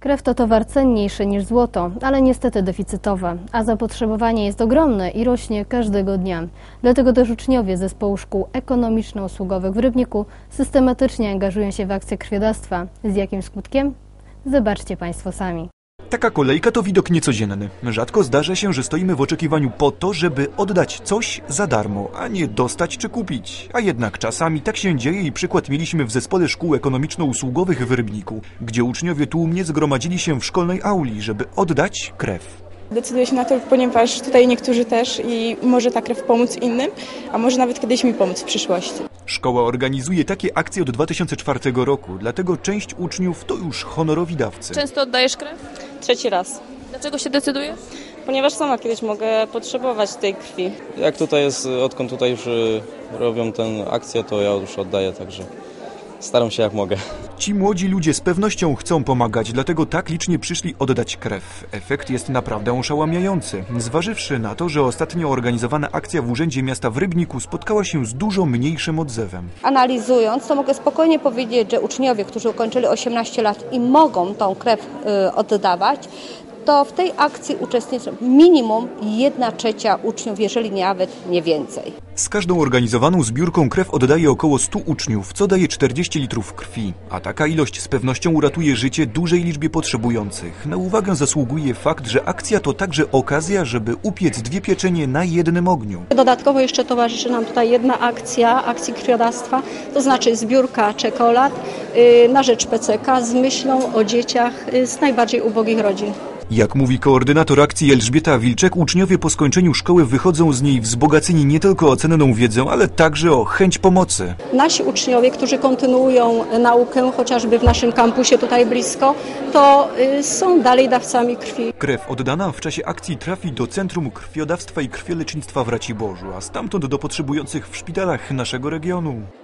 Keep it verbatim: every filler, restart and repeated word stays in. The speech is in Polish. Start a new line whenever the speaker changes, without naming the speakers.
Krew to towar cenniejszy niż złoto, ale niestety deficytowe, a zapotrzebowanie jest ogromne i rośnie każdego dnia. Dlatego też uczniowie zespołu szkół ekonomiczno-usługowych w Rybniku systematycznie angażują się w akcję krwiodawstwa. Z jakim skutkiem? Zobaczcie Państwo sami.
Taka kolejka to widok niecodzienny. Rzadko zdarza się, że stoimy w oczekiwaniu po to, żeby oddać coś za darmo, a nie dostać czy kupić. A jednak czasami tak się dzieje i przykład mieliśmy w zespole szkół ekonomiczno-usługowych w Rybniku, gdzie uczniowie tłumnie zgromadzili się w szkolnej auli, żeby oddać krew.
Decyduję się na to, ponieważ tutaj niektórzy też i może ta krew pomóc innym, a może nawet kiedyś mi pomóc w przyszłości.
Szkoła organizuje takie akcje od dwa tysiące czwartego roku, dlatego część uczniów to już honorowi dawcy.
Często oddajesz krew?
Trzeci raz.
Dlaczego się decydujesz?
Ponieważ sama kiedyś mogę potrzebować tej krwi.
Jak tutaj jest, odkąd tutaj już robią tę akcję, to ja już oddaję, także staram się jak mogę.
Ci młodzi ludzie z pewnością chcą pomagać, dlatego tak licznie przyszli oddać krew. Efekt jest naprawdę oszałamiający, zważywszy na to, że ostatnio organizowana akcja w Urzędzie Miasta w Rybniku spotkała się z dużo mniejszym odzewem.
Analizując, to mogę spokojnie powiedzieć, że uczniowie, którzy ukończyli osiemnaście lat i mogą tą krew y, oddawać, to w tej akcji uczestniczy minimum jedna trzecia uczniów, jeżeli nawet nie więcej.
Z każdą organizowaną zbiórką krew oddaje około stu uczniów, co daje czterdzieści litrów krwi. A taka ilość z pewnością uratuje życie dużej liczbie potrzebujących. Na uwagę zasługuje fakt, że akcja to także okazja, żeby upiec dwie pieczenie na jednym ogniu.
Dodatkowo jeszcze towarzyszy nam tutaj jedna akcja, akcji krwiodawstwa, to znaczy zbiórka czekolad yy, na rzecz P C K z myślą o dzieciach yy, z najbardziej ubogich rodzin.
Jak mówi koordynator akcji Elżbieta Wilczek, uczniowie po skończeniu szkoły wychodzą z niej wzbogaceni nie tylko o cenną wiedzę, ale także o chęć pomocy.
Nasi uczniowie, którzy kontynuują naukę, chociażby w naszym kampusie tutaj blisko, to y, są dalej dawcami krwi.
Krew oddana w czasie akcji trafi do Centrum Krwiodawstwa i Krwiolecznictwa w Raciborzu, a stamtąd do potrzebujących w szpitalach naszego regionu.